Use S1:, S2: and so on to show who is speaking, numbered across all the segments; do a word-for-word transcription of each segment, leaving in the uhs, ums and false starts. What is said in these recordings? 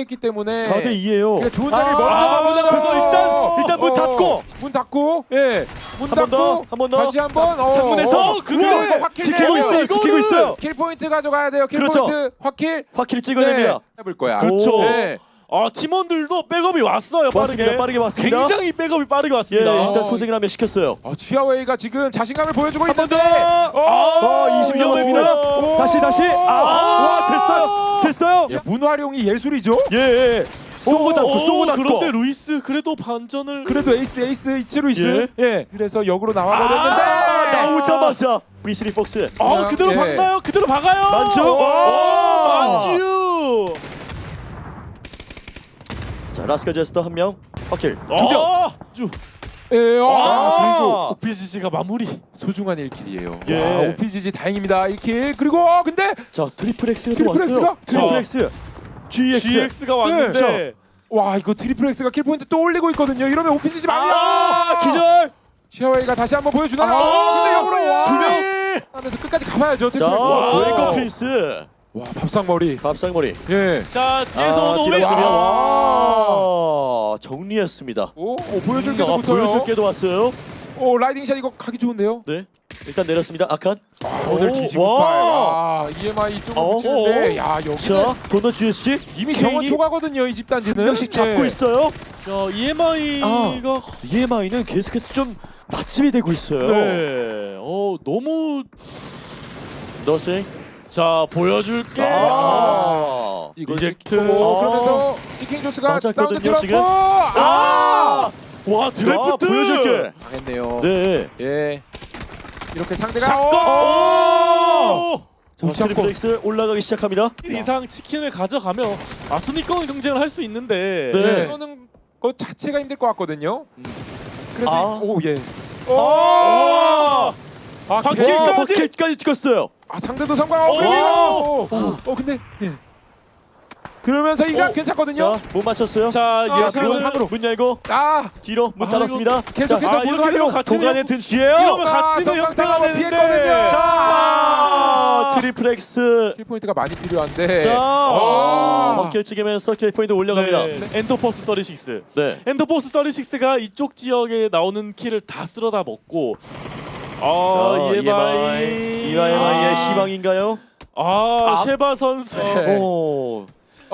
S1: 됐기 때문에
S2: 사 대 이예요.
S1: 그러니까 좋은 자리
S2: 아,
S1: 먼저
S2: 아, 문 앞에서 일단 일단 문
S1: 어,
S2: 닫고
S1: 문 닫고 예. 문
S2: 한 번 더,
S1: 닫고
S2: 한 번 더.
S1: 다시 한번 어,
S2: 창문에서
S1: 어,
S2: 그게
S1: 우와, 이거 확킬
S2: 지키고
S1: 내요.
S2: 있어요. 지키고 있어요.
S1: 킬 포인트 가져가야 돼요. 킬
S2: 그렇죠.
S1: 포인트 확킬.
S2: 확실히 찍어냅니다.
S1: 네, 해볼 거야.
S3: 그렇죠.
S1: 네.
S3: 아 팀원들도 백업이 왔어요.
S2: 왔습니다.
S3: 빠르게.
S2: 빠르게 왔습니다.
S3: 굉장히 백업이 빠르게
S2: 예,
S3: 왔습니다.
S2: 일단
S1: 어,
S2: 소생을 하면 시켰어요.
S1: 어, 치아웨이가 지금 자신감을 보여주고
S2: 한 번
S1: 있는데.
S2: 더.
S1: 어,
S2: 어, 이십 점 됩니다.
S3: 오.
S2: 다시 다시. 아, 와, 됐어요. 됐어요.
S1: 예, 문 활용이 예술이죠.
S2: 예, 예. 쏘고 닫고 쏘고 닫고.
S3: 그런데 루이스 그래도 반전을
S1: 그래도 에이스 에이스 이치 루이스. 예. 그래서 역으로 나와버렸는데.
S2: 아, 나오자마자 브리스리 폭스.
S3: 어 그대로
S1: 예.
S3: 박나요? 그대로 박아요.
S2: 만주.
S3: 오,
S2: 와.
S3: 만주.
S2: 자, 라스칼 제스터 한 명. 확킬. 두 명.
S3: 어, 주.
S1: 예. 아,
S3: 아,
S1: 그리고
S3: 오피지지가 마무리.
S1: 소중한 일 킬이에요.
S2: 예.
S1: 와, 오피지지 다행입니다. 일 킬. 그리고 어, 근데
S2: 자, 트리플 X가 또
S1: 트리플
S2: 왔어요.
S1: X가?
S2: 트리플 X. 지엑스.
S3: 지엑스가 왔는데
S1: 네. 와, 이거 트리플 X가 킬 포인트 또 올리고 있거든요. 이러면 오피지지 많이야.
S2: 아, 기절.
S1: 치아웨이가 다시 한번 보여주나요?
S2: 아,
S1: 어, 근데 역으로 와.
S2: 두 명.
S1: 하면서 끝까지 가봐야죠.
S2: 자,
S1: 트리플 X.
S3: 와.
S2: 고에거 프린스.
S1: 와, 밥상머리.
S2: 밥상머리.
S1: 예.
S3: 자 뒤에서
S2: 아,
S3: 오는
S2: 뒤로
S3: 오메.
S2: 오면
S1: 와.
S2: 와, 정리했습니다.
S1: 오, 오 보여줄
S2: 아,
S1: 게도 붙어요.
S2: 보여줄 게도 왔어요.
S1: 오, 라이딩 샷 이거 가기 좋은데요?
S2: 네. 일단 내렸습니다. 아칸.
S1: 아, 오늘
S2: 오,
S1: 뒤지고
S2: 와.
S1: 팔. 와, 이엠아이 이쪽으로
S2: 어,
S1: 붙이는데,
S2: 어.
S1: 야, 여기는
S2: 자, 도넛 지에스지.
S1: 이미
S2: 케인이
S1: 정원 초과거든요, 이 집단지는.
S2: 한 명씩 잡고
S1: 예.
S2: 있어요.
S3: 자 이엠아이가
S2: 이엠아이는 계속해서 좀 맛집이 되고 있어요.
S3: 네. 어 너무
S2: 너스ing.
S3: 자 보여줄게.
S2: 아.
S1: 이거
S3: 리젝트.
S1: 시키고,
S2: 아.
S1: 그러면서 시킹 조스가
S2: 맞았거든요,
S1: 사운드 들었고,
S2: 지금.
S1: 아!
S3: 와 드래프트.
S2: 아, 보여줄게.
S1: 망했네요.
S2: 네.
S1: 예. 이렇게 상대가
S3: 샷건.
S1: 오!
S3: 오!
S2: 자,
S1: 오, 샷건.
S2: 트리플렉스 올라가기 시작합니다.
S3: 일 이상 치킨을 가져가면 아 순위권 경쟁을 할 수 있는데.
S2: 네.
S1: 이거는 그 자체가 힘들 것 같거든요. 그래서
S2: 아.
S1: 오 예.
S2: 오!
S3: 아,
S2: 와,
S3: 바퀴까지.
S2: 버킷까지 찍었어요.
S1: 아 상대도 성공하고
S3: 오!
S1: 그리고 어, 어 근데 예. 그러면서 이가
S3: 오!
S1: 괜찮거든요.
S2: 자, 못 맞췄어요.
S3: 자
S1: 아,
S3: 예상은
S1: 그리고
S2: 문 열고
S1: 아
S2: 뒤로 문
S3: 아,
S2: 닫았습니다.
S1: 계속해서
S2: 자,
S1: 문
S3: 이렇게
S1: 활용.
S3: 되면 같이
S2: 도관에 든 뒤에요.
S3: 이러면
S1: 아,
S3: 같이
S1: 성광
S3: 역당하면
S1: 당하고
S3: 되는데.
S1: 피했거든요.
S2: 자, 트리플렉스.
S1: 킬 포인트가 많이 필요한데.
S2: 자,
S1: 아.
S2: 버킷 찍으면서 킬 포인트 올려갑니다.
S3: 네. 엔터포스 삼십육.
S2: 네.
S3: 엔터포스 삼십육가 이쪽 지역에 나오는 킬을 다 쓸어다 먹고
S2: 자,
S3: 아 이엠아이
S2: 이엠아이의
S1: 아.
S2: 희망인가요?
S3: 아
S2: 아.
S3: 셰바 선수
S1: 네.
S2: 오.
S1: 자,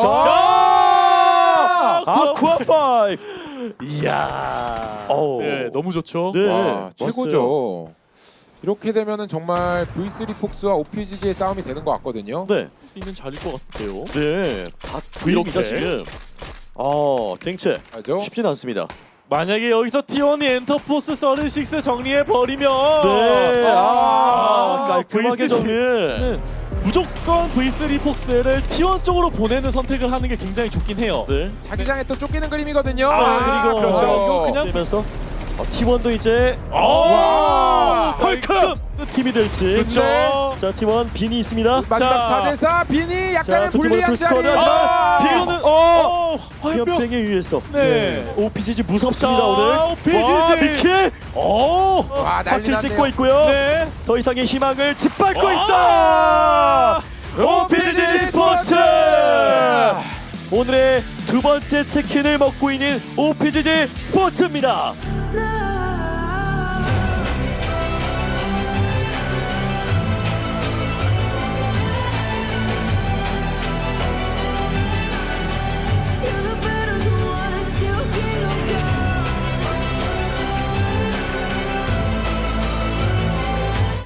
S3: 아,
S2: 아, 쿠아 파이브.
S3: 이야
S2: 오.
S3: 네 너무 좋죠.
S2: 네.
S1: 와
S2: 멋있어요.
S1: 최고죠. 이렇게 되면은 정말 브이 쓰리 폭스와 오피지지의 싸움이 되는 것 같거든요.
S2: 네.
S3: 할 수 있는 자리일 것 같아요.
S2: 네. 다 V입니다
S3: 이렇게.
S2: 지금. 어, 갱체
S1: 맞죠?
S2: 쉽진 않습니다.
S3: 만약에 여기서 티원이 엔터포스 삼십육 정리해 버리면
S2: 네. 아,
S3: 아,
S2: 깔끔하게 정리.
S3: 는 무조건 브이 쓰리 폭스를 티원 쪽으로 보내는 선택을 하는 게 굉장히 좋긴 해요.
S2: 네.
S1: 자기장에 또 쫓기는 그림이거든요.
S2: 아, 그리고
S1: 그렇죠.
S3: 이거 그냥-
S2: 되면서 어, 티원도 이제
S3: 와,
S2: 헐크 팀이 될지.
S3: 그렇죠.
S2: 자, 티원 빈이 있습니다.
S1: 마지막
S3: 자.
S1: 사 대 사 빈이 약간의
S2: 자, 두
S1: 불리한
S2: 팀을
S1: 자리.
S2: 풀스쿼드 하지만
S3: 아,
S2: 빈은 어,
S3: 어, 화염병.
S2: 화염병에 의해서
S3: 네.
S2: 오피지지 무섭습니다
S3: 자,
S2: 오늘.
S3: 오피지지.
S2: 와, 미킬
S3: 오,
S1: 와 난리
S2: 바퀴
S1: 났네요.
S2: 찍고 있고요.
S3: 네.
S2: 더 이상의 희망을 짓밟고
S3: 아.
S2: 있어. 오피지지 스포츠. 오늘의 두 번째 치킨을 먹고 있는 오피지지 스포츠입니다.
S4: 나